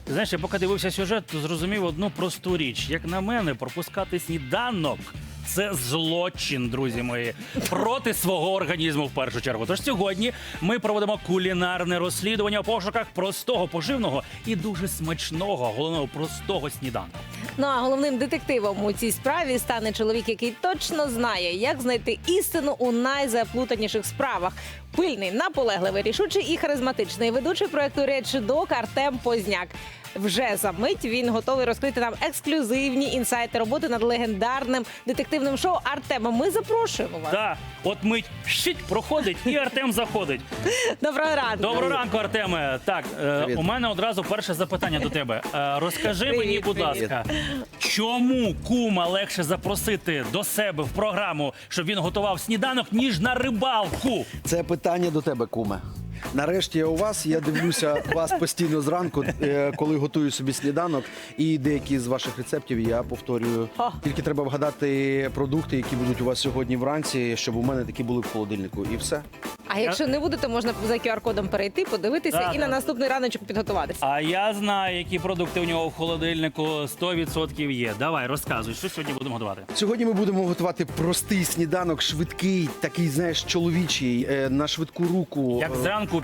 Ти знаєш, я поки дивився сюжет, то зрозумів одну просту річ. Як на мене, пропускати сніданок – це злочин, друзі мої, проти свого організму в першу чергу. Тож сьогодні ми проводимо кулінарне розслідування у пошуках простого, поживного і дуже смачного, головного простого сніданку. Ну а головним детективом у цій справі стане чоловік, який точно знає, як знайти істину у найзаплутаніших справах. Пильний, наполегливий, рішучий і харизматичний ведучий проекту «Речдок» Артем Позняк. Вже за мить він готовий розкрити нам ексклюзивні інсайти роботи над легендарним детективним шоу «Артема». Ми запрошуємо вас. Так, от мить щить проходить і Артем заходить. Доброго ранку. Доброго ранку, Артеме. Так, у мене одразу перше запитання до тебе. Розкажи мені, будь ласка, чому кума легше запросити до себе в програму, щоб він готував сніданок, ніж на рибалку? Це питання до тебе, куме. Нарешті я у вас, я дивлюся вас постійно зранку, коли готую собі сніданок, і деякі з ваших рецептів я повторюю. Тільки треба вгадати продукти, які будуть у вас сьогодні вранці, щоб у мене такі були в холодильнику. І все. А якщо не буде, то можна за QR-кодом перейти, подивитися Да, і на наступний раночок підготуватися. А я знаю, які продукти у нього в холодильнику 100% є. Давай, розказуй, що сьогодні будемо готувати. Сьогодні ми будемо готувати простий сніданок, швидкий, такий, знаєш, чоловічий, на швидку руку. Як зранку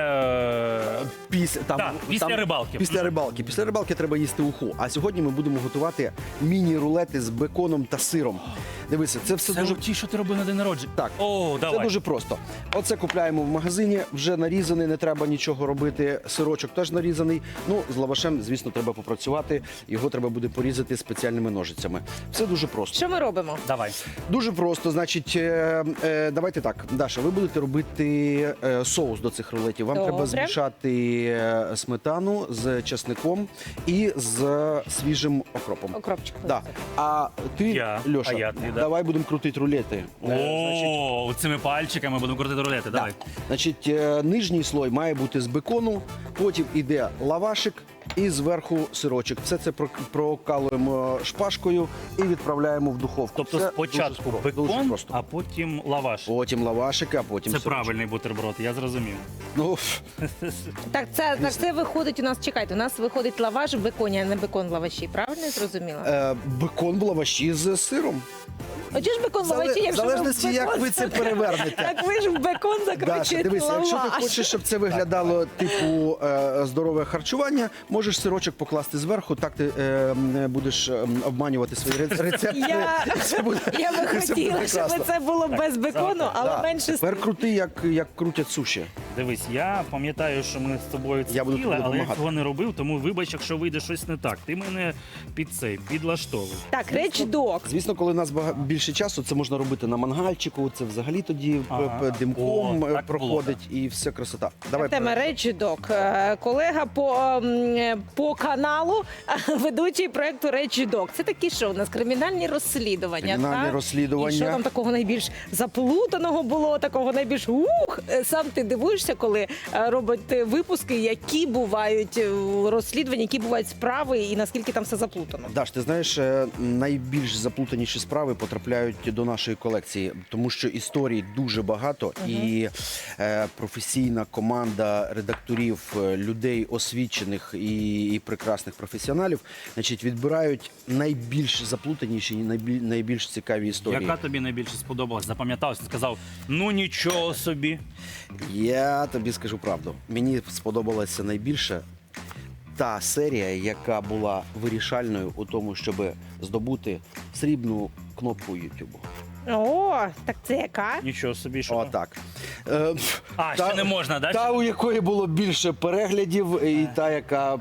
після після рибалки. Після рибалки. Після рибалки треба їсти уху. А сьогодні ми будемо готувати міні-рулети з беконом та сиром. Дивися, це все Це дуже... ті, що ти робив на день народження. Так, О, давай. це дуже просто. Оце купляємо в магазині, вже нарізаний, не треба нічого робити. Сирочок теж нарізаний. Ну, з лавашем, звісно, треба попрацювати. Його треба буде порізати спеціальними ножицями. Все дуже просто. Що ми робимо? Давай. Дуже просто. Значить, давайте так. Даша, ви будете робити соус до цих рулетів. Вам Добре. треба змішати сметану з чесником і з свіжим окропом. Окропчик. Да. А ти, Льоша, а я ти, да. давай будемо крутити рулети. О, цими пальчиками будемо крутити рулети. Давай. Значить, нижній слой має бути з бекону, потім іде лавашик і зверху сирочок. Все це прокалуємо шпажкою і відправляємо в духовку. Тобто Все спочатку дуже дуже бекон, просто. а потім лаваш. Потім лавашик, а потім Це сирочок. правильний бутерброд, я зрозумів. Ну, Так, це виходить у нас, чекайте, у нас виходить лаваш в беконі, а не бекон в лаваші. Правильно я зрозуміла? бекон в лаваші з сиром. А чого ж бекон в лаваші? В Якщо залежності, ви в як бекон ви це перевернете. Так ви ж в бекон Даша, закручуєте дивися, якщо ти лаваш. хочеш, щоб це виглядало типу здорове харчування, можеш сирочок покласти зверху, так ти будеш обманювати свої рецепти. Це буде- Я би це буде хотіла, щоб прекрасно. це було без бекону, але Да. менше Тепер крути, як крутять суші. Дивись, я пам'ятаю, що ми з тобою це Я буду їли, тобі але я допомагати. цього не робив, тому вибач, якщо вийде щось не так. Ти мене підлаштовуй. Так, речдок. Звісно, коли у нас більше часу, це можна робити на мангальчику, це взагалі тоді Ага. димком О, так було, проходить і все красота. Давай. Тема речдок. Колега по каналу, ведучий проекту Речдок. Це такі що у нас кримінальні розслідування. Кримінальні так? розслідування. І що там такого найбільш заплутаного було, такого найбільш сам ти дивуєшся, коли робить випуски, які бувають розслідування, які бувають справи, і наскільки там все заплутано. Даш, ти знаєш, найбільш заплутаніші справи потрапляють до нашої колекції, тому що історій дуже багато, і професійна команда редакторів, людей освічених і прекрасних професіоналів, значить, відбирають найбільш заплутаніші і найбільш цікаві історії. Яка тобі найбільше сподобалась? Запам'яталась? Ти сказав, ну нічого собі. Я тобі скажу правду. Мені сподобалася найбільше та серія, яка була вирішальною у тому, щоб здобути срібну кнопку Ютубу. О, так це яка? Нічого собі, що? Отак. Ще не можна, да? Та, у якої було більше переглядів, і та, яка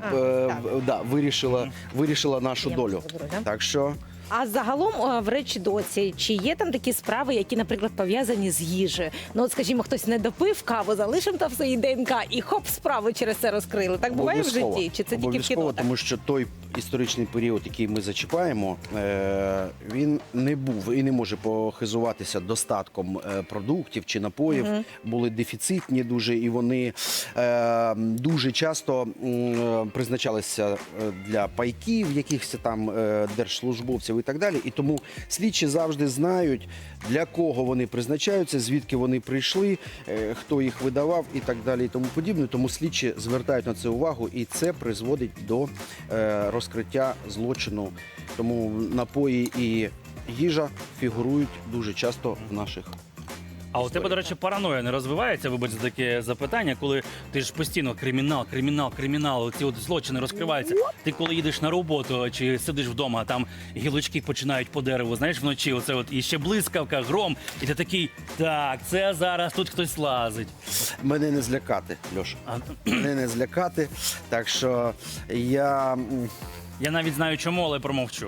вирішила нашу Я долю. заберу, да? Так що А загалом в речдоці, чи є там такі справи, які, наприклад, пов'язані з їжею? Ну, от, скажімо, хтось не допив каву, залишив там свої ДНК і хоп, справу через це розкрили. Так буває в обов'язково. житті? Чи це тільки в Обов'язково, кіно? так? тому що той історичний період, який ми зачіпаємо, він не був і не може похизуватися достатком продуктів чи напоїв. Були дефіцитні дуже, і вони дуже часто призначалися для пайків, якихось там держслужбовців і так далі. І тому слідчі завжди знають, для кого вони призначаються, звідки вони прийшли, хто їх видавав і так далі і тому подібне. Тому слідчі звертають на це увагу, і це призводить до розкриття злочину. Тому напої і їжа фігурують дуже часто в наших. А у тебе, до речі, параноя не розвивається, вибач за таке запитання, коли ти ж постійно кримінал, ці от злочини розкриваються. Ти коли їдеш на роботу чи сидиш вдома, а там гілочки починають по дереву, знаєш, вночі, оце от, і ще блискавка, гром, і ти такий, так, це зараз тут хтось лазить. Мене не злякати, Льоша. А, Мене не злякати, так що я... я навіть знаю чому, але промовчу.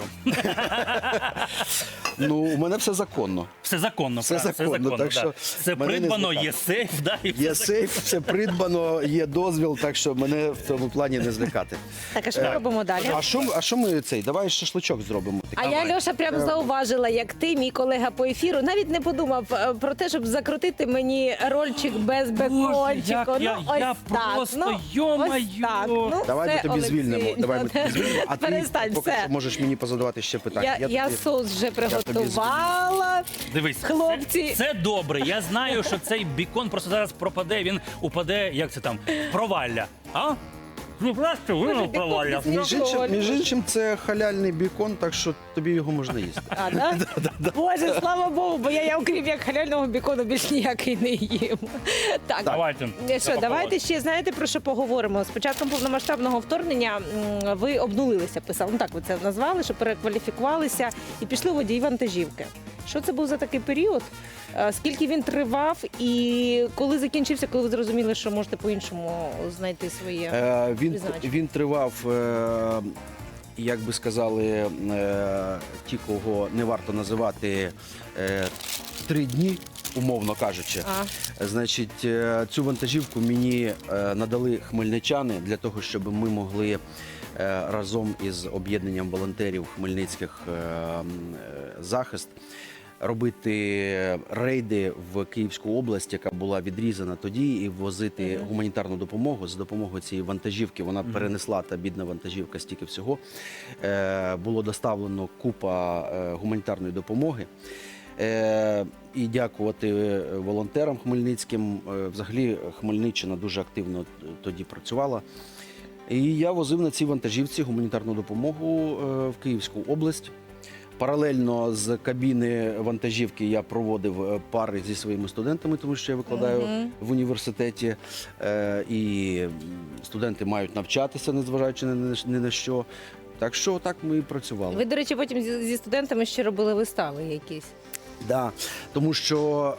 Ну, у мене все законно. Все законно, Все правда, законно, так да. що Це мене не придбано, злякати. є сейф, да, і Є все сейф, все придбано, є дозвіл, так що мене в цьому плані не злякати. Так, а що ми робимо далі? А що ми цей? Давай шашличок зробимо. А я, Льоша, прямо зауважила, як ти, мій колега по ефіру, навіть не подумав про те, щоб закрутити мені рольчик без бекончику. як я просто, йо-моє. Давай ми все, тобі Олексій. звільнимо. Давай ми тобі звільнимо. А ти Перестань, поки все. що можеш мені позадавати ще питання. Я тобі- соус вже тобі приготувала. Дивись, Хлопці. це добре. Я знаю, що цей бікон просто зараз пропаде, він упаде, як це там, провалля. А? Ну просто Боже, воно бікон провалля. без Між іншим, це халяльний бікон, так що тобі його можна їсти. А, да? Боже, слава Богу, бо я окрім як халяльного бікону більш ніякий не їм. Так, Давайте. Що, давайте ще, знаєте, про що поговоримо. З початком повномасштабного вторгнення ви обнулилися, писали. Ну так ви це назвали, що перекваліфікувалися і пішли водії вантажівки. Що це був за такий період? Скільки він тривав і коли закінчився, коли ви зрозуміли, що можете по-іншому знайти своє? призначення? Він тривав, як би сказали, ті, кого не варто називати, 3 дні, умовно кажучи. Значить, цю вантажівку мені надали хмельничани для того, щоб ми могли разом із об'єднанням волонтерів хмельницьких «Захист» робити рейди в Київську область, яка була відрізана тоді, і возити гуманітарну допомогу. За допомогою цієї вантажівки, вона перенесла, та бідна вантажівка, стільки всього. Було доставлено купа гуманітарної допомоги. І дякувати волонтерам хмельницьким. Взагалі Хмельниччина дуже активно тоді працювала. І я возив на цій вантажівці гуманітарну допомогу в Київську область. Паралельно з кабіни вантажівки я проводив пари зі своїми студентами, тому що я викладаю в університеті. І студенти мають навчатися, незважаючи ні на що. Так що так ми і працювали. Ви, до речі, потім зі студентами ще робили вистави якісь. Да, тому що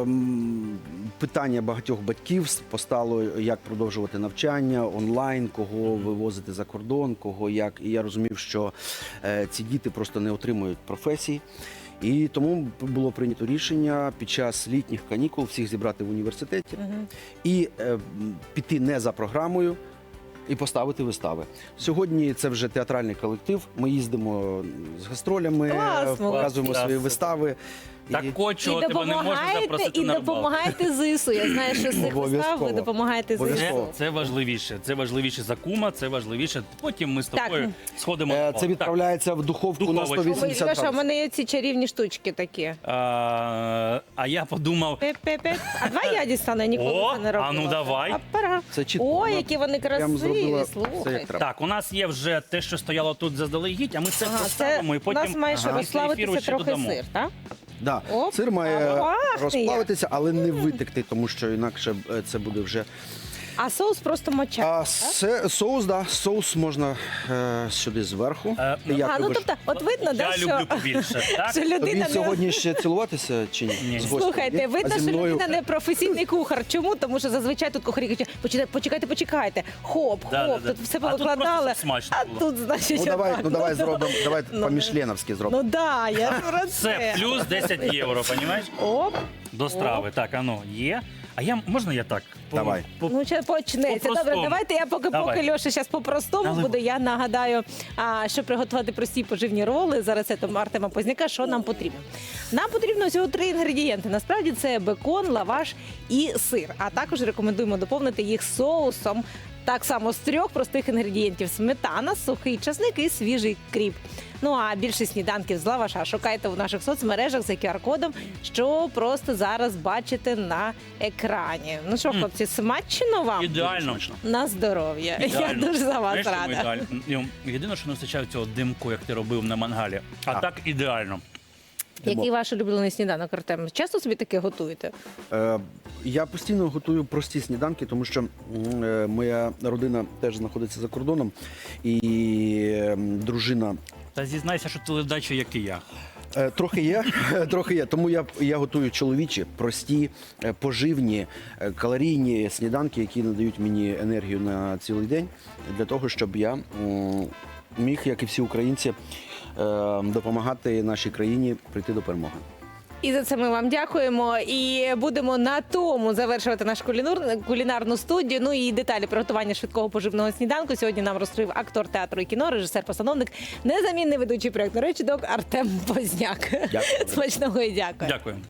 питання багатьох батьків постало, як продовжувати навчання онлайн, кого вивозити за кордон, кого як. І я розумів, що ці діти просто не отримують професії. І тому було прийнято рішення під час літніх канікул всіх зібрати в університеті і піти не за програмою, і поставити вистави. Сьогодні це вже театральний колектив. Ми їздимо з гастролями, Класно. показуємо свої Класно. вистави. Так кочого тебе не можна запросити і на рибалку. допомагаєте ЗСУ. Я знаю, що з цих вистав ви Обов'язково. допомагаєте ЗСУ. Обов'язково. Це важливіше. Це важливіше за кума, це важливіше. Потім ми з Так. тобою сходимо. Це відправляється в духовку на Духовочку. 180 Льоша, у градусів. мене є ці чарівні штучки такі. А я подумав, Пе-пе-пе. А давай я дістану, я ніколи О, це не робила. а ну давай. Апара. Це чітко. Ой, Вона які вони прям красиві, зробила все, як слухай. треба. так, у нас є вже те, що стояло тут заздалегідь, а ми це Ага, це поставимо і у потім нас має ще після ефіру розславитися ще трохи додамо. сир, так? Да. Оп, Сир має а пахне розплавитися, але не витекти, тому що інакше це буде вже. А соус просто моча. А соус, да, соус можна сюди зверху. Як А, ну любиш? тобто, от видно, да, Я що, люблю побільше, так? що Тобі людина не... сьогодні ще цілуватися чи ні? Ні. З гостем, Слухайте, ні? видно, А зі що мною? людина не професійний кухар. Чому? Тому що зазвичай тут кухарі кажуть, почекайте. Хоп, Да. тут все А тут повикладали. просто смачно А було. тут, значить, Ну давай, отак. ну давай зробимо, давай Ну, по-мішленовськи зробимо. Ну да, я про Це це. плюс 10 євро, понімаєш? Оп. До страви. Так, ну, є. А можна я так? Давай. Ну, ще почнеться. По-простому. Добре, давайте я поки Давай. Льоша зараз по-простому Наливай. буду. Я нагадаю, щоб приготувати прості поживні роли за рецептом Артема Позняка, що нам потрібно. Нам потрібно всього 3 інгредієнти. Насправді це бекон, лаваш і сир. А також рекомендуємо доповнити їх соусом Так само з 3 простих інгредієнтів: сметана, сухий часник і свіжий кріп. Ну а більше сніданків з лаваша шукайте у наших соцмережах за QR-кодом, що просто зараз бачите на екрані. Ну що, хлопці, смачно вам? Ідеально. На здоров'я. Я Ідеально. дуже за вас Знаєш, чому рада. ідеально? Єдине, що не вистачає цього димку, як ти робив на мангалі. А так ідеально. Який ваш улюблений сніданок, Артем? Часто собі таке готуєте? Я постійно готую прості сніданки, тому що моя родина теж знаходиться за кордоном, і дружина Та зізнайся, що ти ледачий, як і я. трохи є, трохи є. Тому я готую чоловічі, прості, поживні, калорійні сніданки, які надають мені енергію на цілий день, для того, щоб я міг, як і всі українці, допомагати нашій країні прийти до перемоги. І за це ми вам дякуємо. І будемо на тому завершувати нашу кулінарну студію. Ну і деталі приготування швидкого поживного сніданку сьогодні нам розкрив актор театру і кіно, режисер-постановник, незамінний ведучий проєкту «Речідок» Артем Позняк. Дякую. Смачного і дякую. Дякую.